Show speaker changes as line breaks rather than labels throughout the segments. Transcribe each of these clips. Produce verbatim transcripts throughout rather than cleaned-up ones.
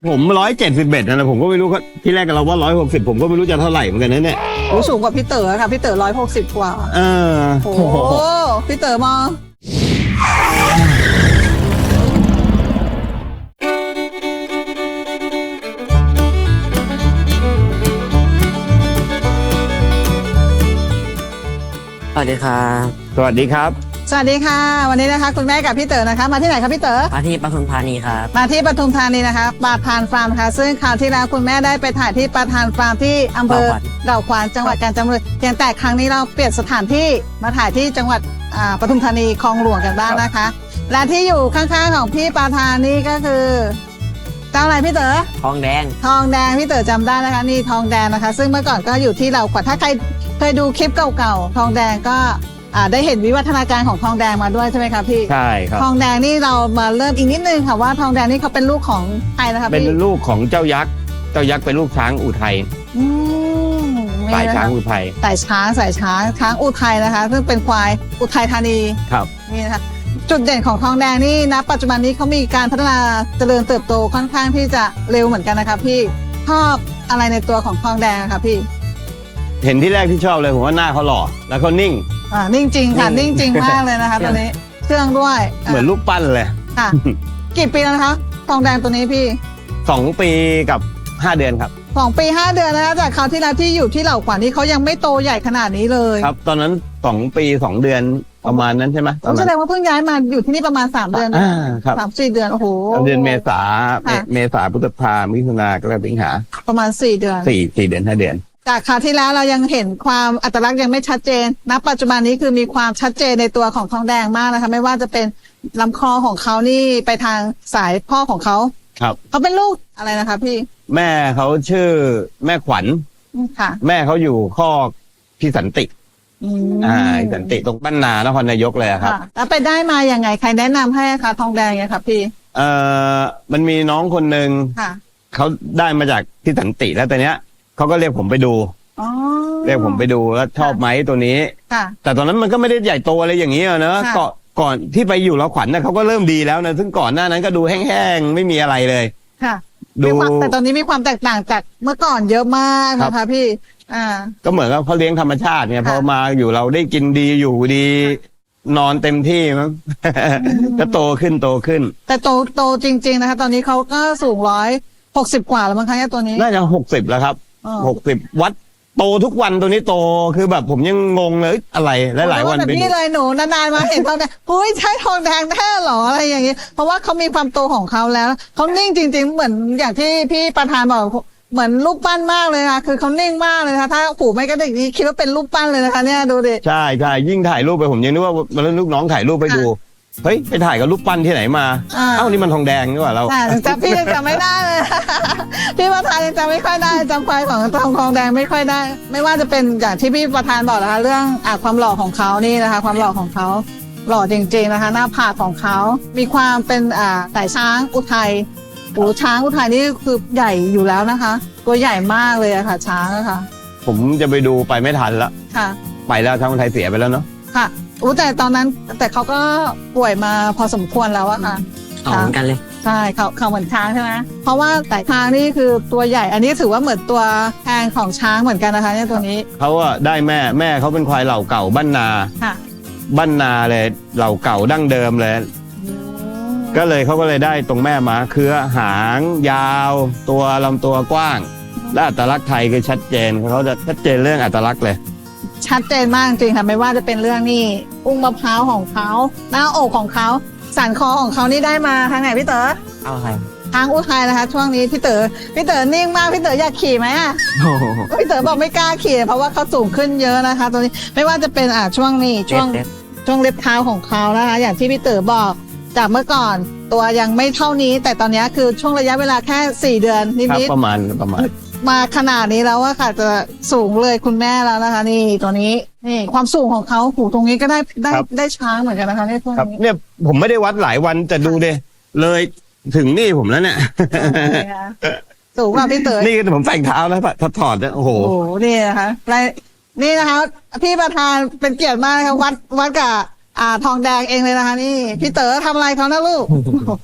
ผมร้อยเจ็ดสิบเอ็ดนะผมก็ไม่รู้ที่แรกเราว่าร้อยหกสิบผมก็ไม่รู้จะเท่าไหร่เหมือนกันนะเนี่ย
โอ้สูงกว่าพี่เต๋อค่ะพี่เต๋อร้อยหกสิบกว่า
เออ
โอ้โหพี่เต๋อมา
สวัสดีครับ
สวัสดีครับ
สวัสดีค่ะวันนี้นะคะคุณแม่กับพี่เต๋อนะคะมาที่ไหนคะพี่เต๋อ
มาที่ปทุมธานีครับ
มาที่ปทุมธานีนะคะปาทานฟาร์มค่ะซึ่งคราวที่แล้วคุณแม่ได้ไปถ่ายที่ปาทานฟาร์มที่อำเภอดาวขวานจังหวัดกาญจนบุรีเพียงแต่ครั้งนี้เราเปลี่ยนสถานที่มาถ่ายที่จังหวัดอ่าปทุมธานีคลองหลวงกันบ้างนะคะ และที่อยู่ข้างๆของพี่ปาทานนี่ก็คือเจ้าอะไรพี่เต๋อ
ทองแดง
ทองแดงพี่เต๋อจำได้นะคะนี่ทองแดงนะคะ ซึ่งเมื่อก่อนก็อยู่ที่เราขวัญถ้าใครเคยดูคลิปเก่าๆทองแดงก็อ่าได้เห็นวิวัฒนาการของทองแดงมาด้วยใช่ไหมคะพี่
ใช่ครับ
ทองแดงนี่เรามาเริ่มอีกนิดนึงค่ะว่าทองแดงนี่เขาเป็นลูกของใครนะคะ
เป็น
พี่
ลูกของเจ้ายักษ์เจ้ายักษ์เป็นลูกช้างอุทัย
อืม
สาย
นี่นะคะ
ช้างอุทัย
สายช้างสายช้างช้างอุทัยนะคะ ซึ่งเป็นควายอุทัยธานี
ครับ
นี่นะคะจุดเด่นของทองแดงนี่ณปัจจุบันนี้เขามีการพัฒนาเจริญเติบโตค่อนข้างที่จะเร็วเหมือนกันนะคะพี่ชอบอะไรในตัวของทองแดงอะคะพี่
เห็นที่แรกที่ชอบเลยผมว่าหน้าเขาหล่อแล้วเขานิ่ง
อ่านิ่งจริงค่ะ
นิ่
นิ่ง
ง
จริงมากเลยนะคะตอนนี้เครื่องด้วย
เหมือนลูกปั้นเลย
ค่ะ กี่ปีแล้วนะคะทองแดงตัวนี้พี่
สองปีกับห้าเดือนครับ
สองปีห้าเดือนนะคะจากคราวที่แล้วที่อยู่ที่เหล่าขวัญนี่เขายังไม่โตใหญ่ขนาดนี้เลย
ครับ ตอนนั้นสองปีสองเดือนประมาณนั้นใช่ไหมตอน
แส
นั้น
ดงว่าเพิ่งย้ายมาอยู่ที่นี่ประมาณสามเดือน
อ่าครับ
สามสี่เดือนโอ้โห
เดือนเมษา
ค่ะ
เมษาพฤษภามิถุนากรกฎาคมสิงหา
ประมาณสี่เดือน
สี่สี่เดือนห้าเดือน
จากคราวที่แล้วเรายังเห็นความอัตลักษณ์ยังไม่ชัดเจนณปัจจุบันนี้คือมีความชัดเจนในตัวของทองแดงมากนะคะไม่ว่าจะเป็นลำคอของเขานี่ไปทางสายพ่อของเขา
ครับ
เขาเป็นลูกอะไรนะคะพี่
แม่เขาชื่อแม่ขวัญ
อืมค่ะ
แม่เขาอยู่ข้อกพี่สันติ
อืม
อ่าพี่สันติตรงบ้านนานครนายกเลยอะครับ
ค่ะแล้วไปได้มาอย่างไงใครแนะนำให้คะทองแดงเนี่ยค่ะพี่
เอ่อมันมีน้องคนหนึ่ง
ค่ะ
เขาได้มาจากพี่สันติแล้วตอนเนี้ยเขาก็เรียกผมไปดู
อ๋อ
เรียกผมไปดูแล้วชอบไหมตัวนี้
ค่ะ
แต่ตอนนั้นมันก็ไม่ได้ใหญ่โตอะไรอย่างนี้อะเนอะ
ค่ะ
ก่อนก่อนที่ไปอยู่เราขวัญนะเขาก็เริ่มดีแล้วนะซึ่งก่อนหน้านั้นก็ดูแห้งๆไม่มีอะไรเลย
ค่ะ
ดู
มีความแต่ตอนนี้มีความแตกต่างจากเมื่อก่อนเยอะมาก
ครับ
นะคะพี่ อ่า
ก็เหมือนกับเขาเลี้ยงธรรมชาติเนี่ย
ค่ะ
พอมาอยู่เราได้กินดีอยู่ดี นอนเต็มที่มั้ง ก็โตขึ้นโตขึ้น
แต่โตโตจริง ๆนะคะ ตอนนี้เขาก็สูงร้อยหกสิบกว่าแล้วมั้งคะเนี่ยตัวนี้
น่าจะหกสิบแล้วครับ
อ๋อ
หกสิบวัดโตทุกวันตัวนี้โตคือแบบผมยังงงเลยเอ้ยอะไรหลายๆวัน
แบบ
ไปดู
นี้เลยหนูนานๆมาเห็นทองแดงเฮ้ยใช่ทองแดงแท้เหรออะไรอย่างงี้ เพราะว่าเขามีความโตของเขาแล้วเขานิ่งจริง ๆ เหมือนอย่างที่พี่ประธานบอกเหมือนรูปปั้นมากเลยค่ะคือเขานิ่งมากเลยนะคะถ้าหูไม่กระดิกนี่คิดว่าเป็นรูปปั้นเลยนะคะเนี่ยดูดิ
ใช่ใช่ยิ่งถ่ายรูปไปผมยังนึกว่ามันลูกน้องถ่ายรูปไปดูเฮ้ยไปถ่ายกับรูปปั้นที่ไหนมา
อ่า
เอ้านี่มันทองแดงนี่หว่าเรา
แต่จำพี่ยังจำไม่ได้เลย พี่ประธานยังจำไม่ค่อยได้จำควายของทองทองแดงไม่ค่อยได้ ไม่ว่าจะเป็นอย่างที่พี่ประธานบอกนะคะ เรื่องอ่ะความหล่อของเขานี่นะคะ ความหล่อของเขาหล่อจริง ๆนะคะ หน้าผากของเขามีความเป็นอ่าสายช้างอุทัยโอ้ช้างอุทัยนี่คือใหญ่อยู่แล้วนะคะ ตัวใหญ่มากเลยอะค่ะ ช้างอะค่ะ
ผมจะไปดูไปไม่ทันละ
ค่ะ
ไปแล้วทางไทยเสียไปแล้วเนาะ
ค่ะอู้แต่ตอนนั้นแต่เขาก็ป่วยมาพอสมควรแล้วอะค่ะ
เอาเหมือนกันเลย
ใช่เขาเขาเหมือนช้างใช่ไหมเพราะว่าแต่ช้างนี่คือตัวใหญ่ อันนี้ถือว่าเหมือนตัวแทนของช้างเหมือนกันนะคะเนี่ยตัวนี้
เขาอะได้แม่แม่เขาเป็นควายเหล่าเก่าบ้านนา
ค่ะ
บ้านนาเลยเหล่าเก่าดั้งเดิมเลย ก็เลยเขาก็เลยได้ตรงแม่มาคือหางยาว ตัวลำตัวกว้าง และอัตลักษณ์ไทยคือชัดเจนเขาจะชัดเจนเรื่องอัตลักษณ์เลย
ชัดเจนมากจริงค่ะไม่ว่าจะเป็นเรื่องนี่อุ้งมะพร้าวของเขาหน้าอกของเขาสันคอของเขานี่ได้มาทางไหนพี่เต๋อ
เอาใคร
ทางอุทัยนะคะ ช่วงนี้พี่เต๋อพี่เต๋อนิ่งมากพี่เต๋ออยากขี่ไหมอ่ะ
โอ้โห
พี่เต๋อบอกไม่กล้าขี่เพราะว่าเขาสูงขึ้นเยอะนะคะตัวนี้ไม่ว่าจะเป็นอ่ะช่วงนี้ช่วง
เด็ด
ช่วงเล็บเท้าของเขานะคะอย่างที่พี่เต๋อบอกจากเมื่อก่อนตัวยังไม่เท่านี้ แต่ตอนนี้คือช่วงระยะเวลาแค่สี่เดือนนิ
ครับ
ด
ประมาณประมาณ
ๆมาขนาดนี้แล้วอะค่ะจะสูงเลยคุณแม่แล้วนะคะ นี่ตัวนี้นี่ความสูงของเขาหูตรงนี้ก็ได้ได้
ครับ
ได้ช้างเหมือนกันนะคะในช่วง
ครับ
นี้
เนี่ยผมไม่ได้วัดหลายวันแต่ดูเดเลยถึงนี่ผมแล้วเนี่ย
นะคะสูงกว่าพี่เต๋อ
นี่ผมใส่เท้าแล้วถอดถอดเนี่ยโอ้โห
โอ้โหนี่นะคะรายนี่นะคะ พี่ประธานเป็นเกียรติมากนะคะวัดวัดกับอ่าทองแดงเองเลยนะคะ นี่ พี่เต๋อทำอะไรเขานะลูก
น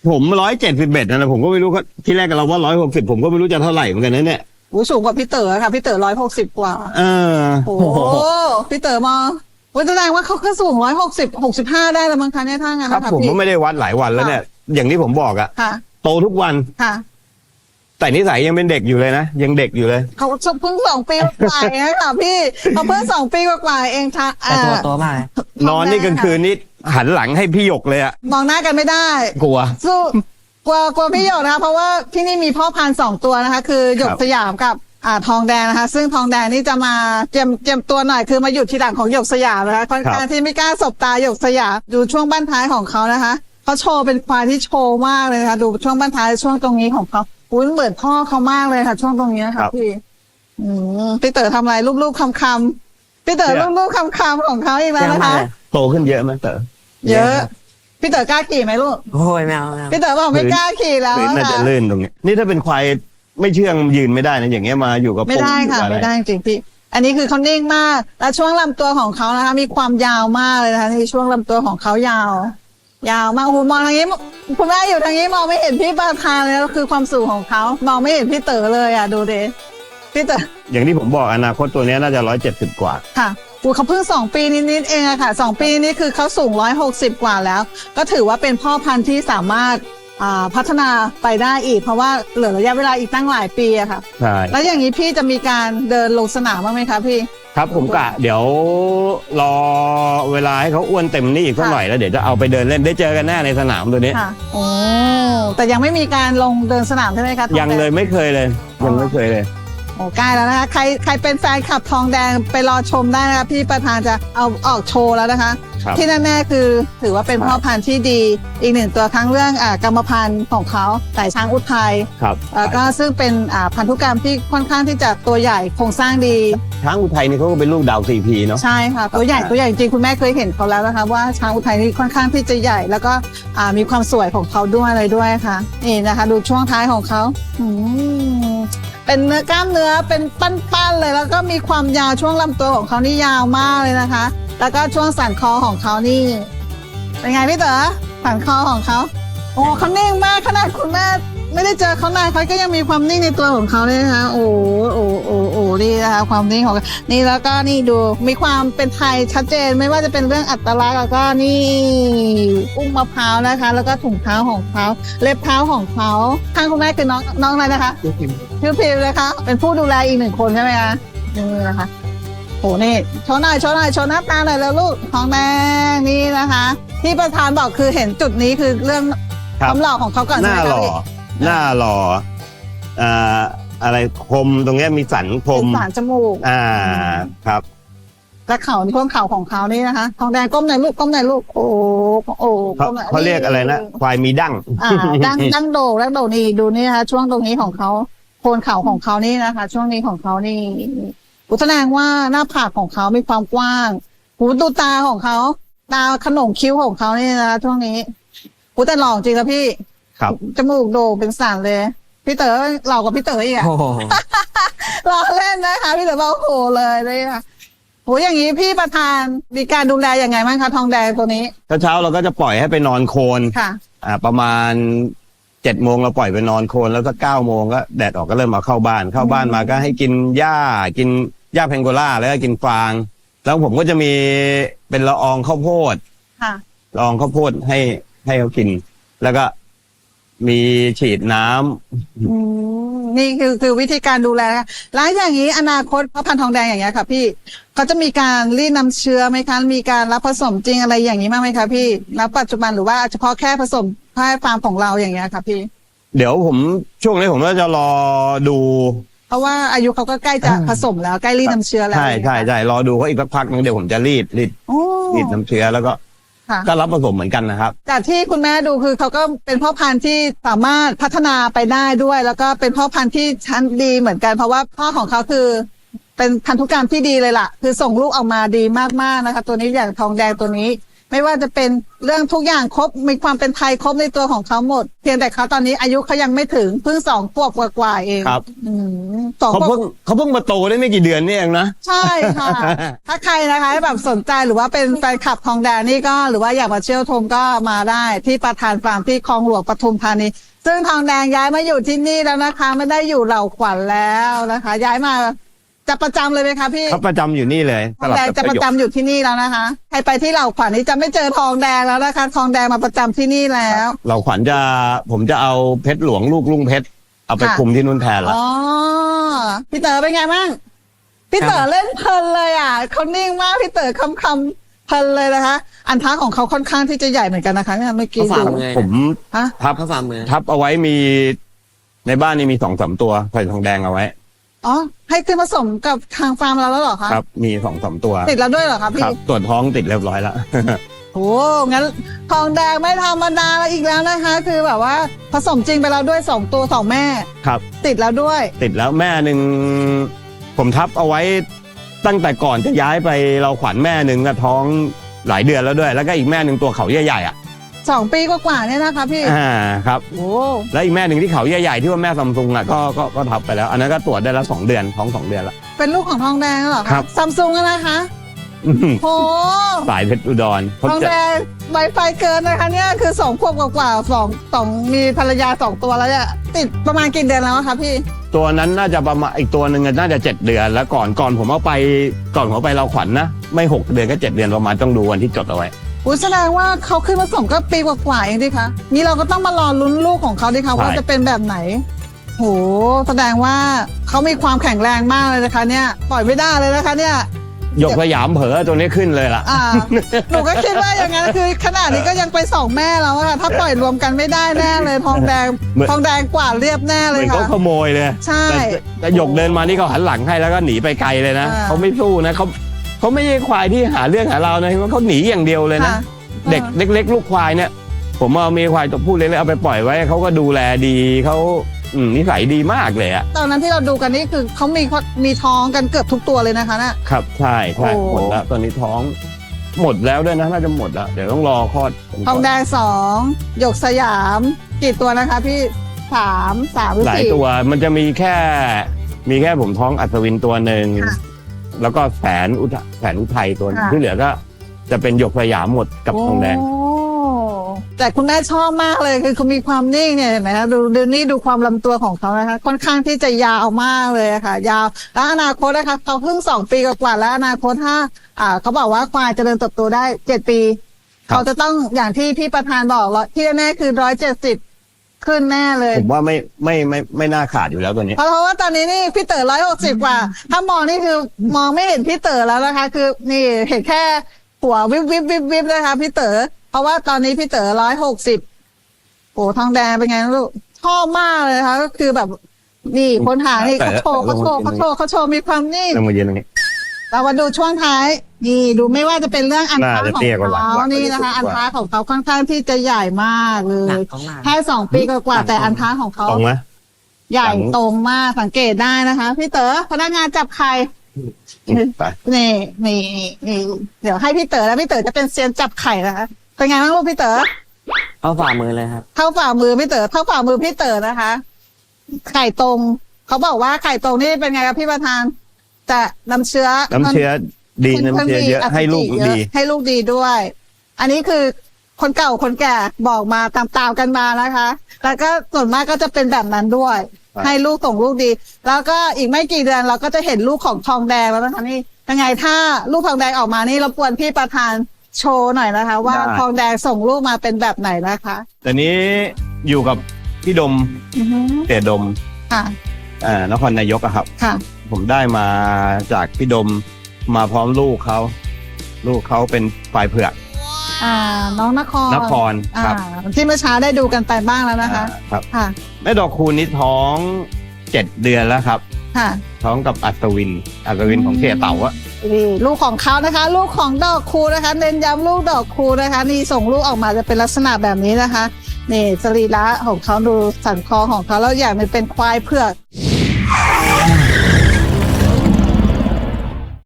ผมร้อยเจ็ดสิบเอ็ดนะผมก็ไม่รู้เขาที่แรกเราว่าร้อยหกสิบผมก็ไม่รู้จะเท่าไหร่เหมือนกันนะเนี่ย
อู้สูงกว่าพี่เต๋อค่ะพี่เต๋อร้อยหกสิบกว่า
เออ
โอ้โหพี่เต๋อมองว่าแสดงว่าเขาก็สูงร้อยหกสิบหกสิบห้าได้แล้วมั้งคะเนี่ยถ้างั้น
ครับ
นะคะ
ผม
พี่
ก็ไม่ได้วัดหลายวันแล้วเนี่ย อย่างที่ผมบอกอะ
ค่ะ
โตทุกวัน
ค่ะ
แต่นิสัยยังเป็นเด็กอยู่เลยนะยังเด็กอยู่เลย
เขาเพิ่งสองปีกว่าเองค่ะพี่เขาเพิ่งสองปีกว่าๆเองค่ะ
แต่ตัวโตมากเลย
นอนนี่กลางคืนนี่หันหลังให้พี่หยกเลยอะ
มองหน้ากันไม่ได้
กลัว
สู้กลัวกลัวพี่หยกนะคะเพราะว่าที่นี่มีพ่อพันธุ์สองตัวนะคะ คือหยก
ครับ
สยามกับอ่าทองแดงนะคะ ซึ่งทองแดงนี่จะมาเตรียมเตรียมตัวหน่อยคือมาอยู่ทีหลังของหยกสยามนะคะค่อนข้างที่ไม่กล้าสบตาหยกสยามดูช่วงบั้นท้ายของเขานะคะเขาโชว์เป็นควายที่โชว์มากเลยนะคะดูช่วงบั้นท้ายช่วงตรงนี้ของเขาอุ้ยเหมือนพ่อเขามากเลยค่ะ ช่วงตรงนี้ค่ะพี่อืมพี่เต๋อทำอะไรรูปๆคำๆพี่เต๋อรูปๆคำๆของเขาอีกแล้ว
เยอะ
นะ
มาก
คะ
เลย
โตขึ้นเยอะไหมเต๋อ
เยอะ พี่เต๋อกล้าขี่ไหมลูก
โอ้ยแมวแมว
พี่เต๋อบอกไม่กล้าขี่แล้ว
พื้นน่าจะ
ค่ะ
ลื่นตรงนี้ นี่ถ้าเป็นควายไม่เชื่องยืนไม่ได้นะอย่างเงี้ยมาอยู่กับ
ไม่ได้
ปู่
ค่ะ
อยู่อร
ไม่ได้จริงๆพี่ อันนี้คือเขานิ่งมาก และช่วงลำตัวของเขานะคะ มีความยาวมากเลยนะคะนี่ช่วงลำตัวของเขายาว ยาวมากโอ้โหมองทางนี้คุณแม่อยู่ทางนี้มองไม่เห็นพี่ประธานเลยก็คือความสูงของเขามองไม่เห็นพี่เต๋อเลยอ่ะดูเดพี่เต๋อ
อย่างที่ผมบอกอนาคตตัวเนี้ยน่าจะร้อยเจ็ดสิบกว่า
ค่ะอูเขาเพิ่งสองปีนิดๆเองอะค่ะสองปีนี้คือเขาสูงร้อยหกสิบกว่าแล้ว ก็ถือว่าเป็นพ่อพันธุ์ที่สามารถอ่าพัฒนาไปได้อีก เพราะว่าเหลือระยะเวลาอีกตั้งหลายปีอะค่ะ
ใช่
แล้วอย่างนี้พี่จะมีการเดินลงสนามบ้างไหมคะพี่
ครับผมกะเดี๋ยวรอเวลาให้เขาอ้วนเต็มนี่อีกสักหน่อยแล้วเดี๋ยวจะเอาไปเดินเล่นได้เจอกันแน่ในสนามตัวนี้
ค่ะโอ้แต่ยังไม่มีการลงเดินสนามใช่ไหมคะทอ
ยัง
แด
เลยไม่เคยเลย ยังไม่เคยเลย
โอ้ใกล้แล้วนะคะใครใครเป็นแฟนคลับทองแดงไปรอชมได้นะคะพี่ประธานจะเอาออกโชว์แล้วนะคะ
ครับ
ที่แน่ๆคือถือว่าเป็นพ่อพันธุ์ที่ดี อีกหนึ่งตัวทั้งเรื่องอ่ากรรมพันธุ์ของเขาสายช้างอุทัย
ครับ
แล้วก็ซึ่งเป็นอ่าพันธุกรรมที่ค่อนข้างที่จะตัวใหญ่โครงสร้างดี
ช้างอุทัยนี่เขาก็เป็นลูกดาวซีพีเนาะ
ใช่ค่ะตัวใหญ่ตัวใหญ่จริงๆคุณแม่เคยเห็นเขาแล้วนะคะว่าช้างอุทัยนี่ค่อนข้างที่จะใหญ่ แล้วก็อ่ามีความสวยของเขาด้วยอะไรด้วยค่ะนี่นะคะ ดูช่วงท้ายของเขาอืมเป็นเนื้อกล้ามเนื้อเป็นปั้นๆเลย แล้วก็มีความยาวช่วงลำตัวของเขานี่ยาวมากเลยนะคะ แล้วก็ช่วงสันคอของเขานี่เป็นไงพี่เต๋อสันคอของเขาโอ้เขานิ่งมากขนาดคุณแม่ไม่ได้เจอเขานานเขาก็ยังมีความนิ่งในตัวของเขาเลยนะคะโอ้โอ้โอ้โอ้นี่นะคะความนิ่งของนี่แล้วก็นี่ดูมีความเป็นไทยชัดเจนไม่ว่าจะเป็นเรื่องอัตลักษณ์แล้วก็นี่อุ้งมะพร้าวนะคะ แล้วก็ถุงเท้าของเขาเล็บเท้าของเขาข้างคุณแม่คือน้องน้องอะไรนะคะ ชื่อพิมพ์นะคะ เป็นผู้ดูแลอีกหนึ่งคนใช่ไหมคะนี่นะคะโหนี่โชว์หน่อยโชว์หน่อยโชว์หน้าตาหน่อยแล้วลูกทองแดงนี่นะคะ ที่ประธานบอกคือเห็นจุดนี้คือเรื่อง
ครั
ค
บ
วามหล่อของเขาก่อน
ห
ใช่
น้า
ไหม
ห
คะ
ล่อ
พี่
หน้าหล่ออ่าอะไรคมตรงเนี้ยมีสันค
เป็
ม
นสารจมูก
อ่าครับ
และเข่าที่พ้นเข่าของเขานี่นะคะ ทองแดงก้มหน่อยลูกก้มหน่อยลูกโอ้โอ้
เขา
ก้มหน่อย
เขาเรียกอะไรนะควายมีดั้ง
อ่าดังดังโดดังโดนี่ดูนี่นะคะช่วงตรงนี้ของเขาโคนเข่าของเขานี่นะคะ ช่วงนี้ของเขานี่อุแสดงว่าหน้าผากของเขามีความกว้างหูดูตาของเขาตาขนมคิ้วของเขานี่นะคะช่วงนี้หูแต่หล่อจริงครับพี่
ครับ
จมูกโด่งเป็นสันเลย พี่เต๋อหล่อกว่าพี่เต๋ออีกอะ
โอ้โห
รอเล่นนะคะ พี่เต๋อบอกโอ้โหเลยเลยค่ะโหอย่างนี้พี่ประธานมีการดูแลยังไงบ้างคะทองแดงตัวนี้
เช้าๆเราก็จะปล่อยให้ไปนอนโคลน
ค่ะ
อ่าประมาณเจ็ดโมงเราปล่อยไปนอนโคลนแล้วสักเก้าโมงก็แดดออกก็เริ่มมาเข้าบ้าน เข้าบ้านมาก็ให้กินหญ้ากินหญ้าแพงโกล่าแล้วก็กินฟาง แล้วผมก็จะมีเป็นละอองข้าวโพด
ค่ะ
ละอองข้าวโพดให้ให้เขากิน แล้วก็มีฉีดน้ำ
อืมนี่คือคือวิธีการดูแลนะคะแล้วอย่างนี้อนาคตพ่อพันธุ์ทองแดงอย่างเงี้ยค่ะพี่เขาจะมีการรีดน้ำเชื้อไหมคะมีการรับผสมจริงอะไรอย่างนี้บ้างไหมคะพี่ณปัจจุบันหรือว่าเฉพาะแค่ผสมให้ฟาร์มของเราอย่างเงี้ยค่ะพี่
เดี๋ยวผมช่วงนี้ผมก็จะรอดู
เพราะว่าอายุเขาก็ใกล้จะผสมแล้วใกล้รีดน้ำเชื้อแล้ว
ใช่ใช่ใช่รอดูเขาอีกสักพักนึงเดี๋ยวผมจะรีดรีด
โอ้
รีดน้ำเชื้อแล้วก็
ค่ะ
ก็รับผสมเหมือนกันนะครับ
จากที่คุณแม่ดูคือเขาก็เป็นพ่อพันธุ์ที่สามารถพัฒนาไปได้ด้วย แล้วก็เป็นพ่อพันธุ์ที่ชั้นดีเหมือนกัน เพราะว่าพ่อของเขาคือ เป็นพันธุกรรมที่ดีเลยล่ะ คือส่งลูกออกมาดีมากๆนะคะ ตัวนี้อย่างทองแดงตัวนี้ ไม่ไม่ว่าจะเป็นเรื่องทุกอย่างครบมีความเป็นไทยครบในตัวของเขาหมด เพียงแต่เขาตอนนี้อายุเขายังไม่ถึงเพิ่งสองขวบกว่าๆเอง
ครับ
อืมสอง
เขา
ขว
เพิ่
บ
งเขาเพิ่งมาโตได้ไม่กี่เดือนนี่เองนะ
ใช่ค่ะ ถ้าใครนะคะแบบสนใจหรือว่าเป็นแฟนคลับทองแดงนี่ก็หรือว่าอยากมาเชี่ยวชมก็มาได้ที่ประธานฟาร์มที่คลองหลวงปทุมธานีซึ่งทองแดงย้ายมาอยู่ที่นี่แล้วนะคะ ไม่ได้อยู่เหล่าขวัญแล้วนะคะ ย้ายมาจะประจำเลยไหมคะพี่
เขาประจำอยู่นี่เลย
ทองแดง
กับ
จะประ
โยค
จำอยู่ที่นี่แล้วนะคะใครไปที่เหล่าขวัญนี่จะไม่เจอทองแดงแล้วนะคะ ทองแดงมาประจำที่นี่แล้ว
เราขวัญจะผมจะเอาเพชรหลวงลูกลุงเพชรเอาไป
ค่ะ
คุมที่นู่นแทนละ
อ๋อพี่เต๋อเป็นไงบ้างพี่เต๋อเล่นเพลินเลยอ่ะเขานิ่งมากพี่เต๋อคำคำๆเพลินเลยนะคะ อันท้าของเขาค่อนข้างที่จะใหญ่เหมือนกันนะคะเนี่ยเมื่อกี้
เขาฝ่า
ดู
มือ
ผม
ฮะ
ทับ
เข้าฝ่ามือ
ทับเอาไว้มีในบ้านนี่มีสองสามตัวใส่ทองแดงเอาไว้
อ๋อให้ขึ้นผสมกับทางฟาร์มเราแล้วเหรอคะ
ครับ มีสองสามตัว
ติดแล้วด้วยเหรอคะ
ค
พี่
รับตรวจท้องติดเรียบร้อยแล้ว
โอ้งั้นทองแดงไม่ธรรมดาแล้วอีกแล้วนะคะ คือแบบว่าผสมจริงไปแล้วด้วยสองตัวสองแม่
ครับ
ติดแล้วด้วย
ติดแล้วแม่หนึ่งผมทับเอาไว้ตั้งแต่ก่อนจะย้ายไปเราขวัญแม่หนึ่งก็ท้องหลายเดือนแล้วด้วย แล้วก็อีกแม่หนึ่งตัวเขาใหญ่ๆอ่ะ
สองปีกว่าๆเนี่ยนะคะพี่
อ่าครับ
โอ้
แล้วอีกแม่หนึ่งที่เขาใหญ่ๆที่ว่าแม่ซัมซุงอ่ะก็ก็ก็ทับไปแล้ว อันนั้นก็ตรวจได้แล้วสองเดือนท้องสองเดือนแล้ว
เป็นลูกของทองแดงเหรอ
ครั
คะ
บ
ซัมซุงนะคะ
อื้อหือ
โอ้
สายเพชรอุดรเขา
ทอง
จะ
แดงไวไฟเกินนะคะเนี่ยคือสองขวบกว่าๆสองสองมีภรรยาสองตัวแล้วเนี่ยติดประมาณกี่เดือนแล้วอะคะพี่
ตัวนั้นน่าจะประมาณอีกตัวหนึ่งน่าจะเจ็ดเดือน แล้วก่อนก่อนผมเอาไปก่อนผมเอาไปเราขวัญนะไม่หกเดือนก็เจ็ดเดือนประมาณต้องดูวันที่จดเอาไว้
อุ้ยแสดงว่าเขาขึ้นผสมก็ปีกว่าๆเองดิคะนี่เราก็ต้องมารอลุ้นลูกของเขาดิคะ
ใช่
ว่าจะเป็นแบบไหนโหแสดงว่าเขามีความแข็งแรงมากเลยนะคะ เนี่ยปล่อยไม่ได้เลยนะคะเนี่ย
หยกสยามเผลอตัวนี้ขึ้นเลยล่ะ
อ่า หนูก็คิดว่าอย่างนั้นคือขนาดนี้ก็ยังไปสองแม่แล้วอะค่ะถ้าปล่อยรวมกันไม่ได้แน่เลยทองแดง
เหมือน
ทองแดงกว่าเรียบแน่
เห
เล
มื
ย
อนเขา
ค่ะ
ขโมยเลย
ใช่
แต่แต่หยกเดินมานี่เขาหันหลังให้แล้วก็หนีไปไกลเลยนะ
อ่า
เขาไม่สู้นะเขาเขาไม่ใช่ควายที่หาเรื่องหาเรานะเขาหนีอย่างเดียวเลยนะ
ค่ะ
เด็กเล็ก ๆ ลูกควายเนี่ย ผมเอามีควายตัวผู้เล็กๆเอาไปปล่อยไว้เขาก็ดูแลดีเขาอืมนิสัยดีมากเลยอะ
ตอนนั้นที่เราดูกันนี่คือเขามีมีท้องกันเกือบทุกตัวเลยนะคะน่ะ
ครับใช่ใช่
โอ้
หมดแล้วตอนนี้ท้อง หมดแล้วด้วยนะน่าจะหมดแล้วเดี๋ยวต้องรอคลอด
ทองแดงสองหยกสยามกี่ตัวนะคะพี่สามสามหรือ
หลาย
สี่
ตัวมันจะมีแค่ มีแค่ผมท้องอัศวินตัวหนึ่ง
ค่ะ
แล้วก็แสนอุทแสนอุทัยตัวหนึ่ง
ค่ะ
ที่เหลือก็จะเป็นหยกสยามหมดกับทองแดง
โแต่คุณแม่ชอบมากเลยคือเขามีความนิ่งเนี่ยเห็นไหมคะดูดูนี่ดูความลำตัวของเขานะคะค่อนข้างที่จะยาวมากเลยอะค่ะ ยาวแล้วอนาคตนะคะเขาเพิ่งสองปีกว่าๆแล้วอนาคตถ้าอ่าเขาบอกว่าควายเจริญเติบโตได้เจ็ดปี
ครับ
เขาจะต้องอย่างที่พี่ประธานบอกร้อยที่แน่ๆคือร้อยเจ็ดสิบขึ้นแน่เลย
ผมว่าไม่ไม่ไม่ไม่น่าขาดอยู่แล้วตัวนี้
เพราะเพราะว่าตอนนี้นี่พี่เต๋อร้อยหกสิบกว่า ถ้ามองนี่คือมองไม่เห็นพี่เต๋อแล้วนะคะ คือนี่เห็นแค่หัววิบวิบวิบวิบนะคะพี่เต๋อเพราะว่าตอนนี้พี่เต๋อร้อยหกสิบโอ้ทองแดงเป็นไงลูกชอบมากเลยนะคะก็คือแบบ นี่คนหานี่เขาโชว์เขาโชว์เขาโชว์เขาโชว์มีความนิ่ง
ลงมายืนตรงนี้
เรามาดูช่วงท้าย นี่ดูไม่ว่าจะเป็นเรื่องอันท้า
น่าจะ
ของ
เตี้ยกว่าหลัง
เขา
หลัง
นี่นะคะ
จะสูงกว่า
อันท้าของเขาค่อนข้างที่จะใหญ่มากเล
หนั
ย
กของหลัง
แค่สองปีกว่าๆแต่อันท้าของเขา
ตรงไหม
ใหญ่
หลัง
ตรงมากสังเกตได้นะคะ พี่เต๋อพนักงานจับไข่
ไป
นี่นี่นี่เดี๋ยวให้พี่เต๋อแล้วพี่เต๋อจะเป็นเซียนจับไข่นะคะเป็นไงบ้างลูกพี่เต๋อ
เข้าฝ่ามือเลยครับ
เท่าฝ่ามือพี่เต๋อเท่าฝ่ามือพี่เต๋อนะคะ ไข่ตรงเขาบอกว่าไข่ตรงนี่เป็นไงครับพี่ประธานจะน้ำเชื้อ
น้ำเชื้อดีน้ำเชื้อเยอะให้ลูกดี
ให้ลูกดีด้วย อันนี้คือคนเก่าคนแก่บอกมาตามๆกันมานะคะ แล้วก็ส่วนมากก็จะเป็นแบบนั้นด้วย
ครับ
ให้ลูกส่งลูกดี แล้วก็อีกไม่กี่เดือนเราก็จะเห็นลูกของทองแดงแล้วนะคะนี่ยังไงถ้าลูกทองแดงออกมานี่รบกวนพี่ประธานโชว์หน่อยนะคะ ว่าทองแดงส่งลูกมาเป็นแบบไหนนะคะ
แต่นี้อยู่กับพี่ดม
อือฮึ
เตี่ยดม
ค่ะ
อ่านครนายกอะครับ
ค่ะ
ผมได้มาจากพี่ดมมาพร้อมลูกเขา ลูกเขาเป็นฝ่ายเผือก
อ่า น้องนคร
นคร
อ่า
ครับ
ที่เมื่อเช้าได้ดูกันไปบ้างแล้วนะคะ
อ่าครับ
ค่ะ
แม่ดอกคูณนี่ท้องเจ็ดเดือนแล้วครับ
ค่ะ
ท้องกับอัศวิน อัศวินของเสียเต่าอะ
นี่ลูกของเขานะคะ ลูกของดอกคูนะคะ เน้นย้ำลูกดอกคูนะคะ นี่ส่งลูกออกมาจะเป็นลักษณะแบบนี้นะคะ นี่สรีระของเขาดูสันคอของเขาแล้วอย่างหนึงเป็นควายเผือก